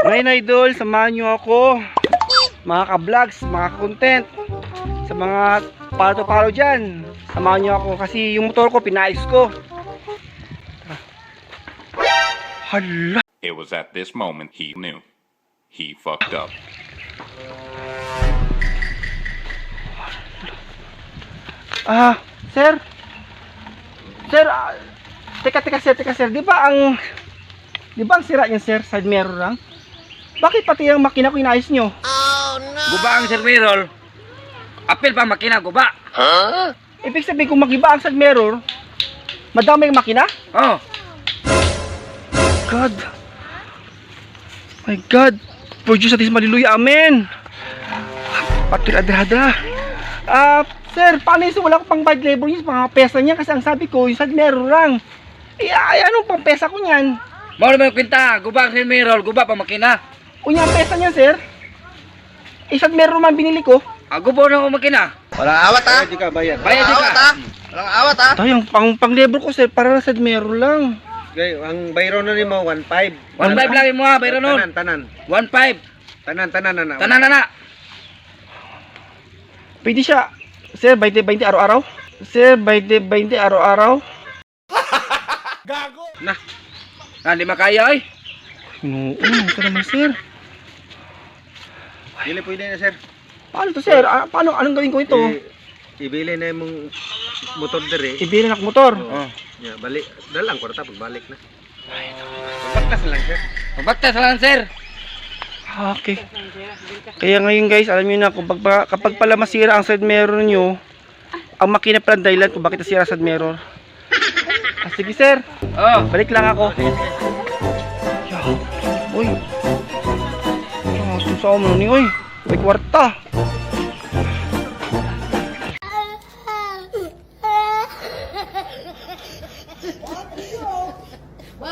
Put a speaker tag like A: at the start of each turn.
A: Ngayon idol, samahan nyo ako, mga ka-vlogs, mga content, sa mga palo-palo dyan. Samahan nyo ako kasi yung motor ko pinais ko. Hala.
B: It was at this moment he knew. He fucked up.
A: Sir? Sir, teka sir, di ba ang sira niyan sir, side mirror lang? Bakit pati ang makina ko inayos nyo?
C: Guba ang Sir Mirror. Apil pa makina, guba.
A: Ibig sabihin kung magiba ang side mirror, madami yung makina?
C: Oh,
A: God. My God. Produce at is maliluya. Amen. Patiradrada. Sir, paano yung wala ko pang bad labor yung mga pesa niya? Kasi ang sabi ko, yung side mirror lang. Anong pang pesa ko niyan?
C: mao naman yung kwenta. Guba ang Sir Mirror, guba pa makina.
A: Unya ang pesa niyan, sir? Side mirror man binili ko.
C: Gubo na ako makina.
D: Walang awat ha?
A: Di ka bayad.
C: Bayad di
D: Awat
C: ka.
D: ha? Walang awat ha?
A: Tayo, pang labor ko, sir, para side mirror lang.
D: Okay, ang bayro na nimo 1.5.
C: 1.5 lang mo ha, bayro nun.
D: Tanan.
C: 1.5.
D: Tanan na.
C: Tanan na.
A: Pwede siya, sir, 20-20 araw-araw? Sir, 20-20 araw-araw?
C: Hindi makaya ay.
A: Oo, ito naman, sir.
D: Dili pwede na sir.
A: Paano to, sir? Anong gawin ko ito?
D: Ibili na imong motor dire.
A: Ibili na motor.
C: Oh.
D: Ya, balik. Dalang ko ta pagbalik na. Pagbakas lang sir.
C: Magbaktas lang Sir.
A: Okay. Kaya ngayon guys, alam niyo na kapag pala masira ang side mirror niyo, ang makina pala ang dahilan kung bakit nasira ang side mirror. Sige sir,
C: Oh.
A: balik lang ako. Uy. Susah mo ni, uy. May kwarta.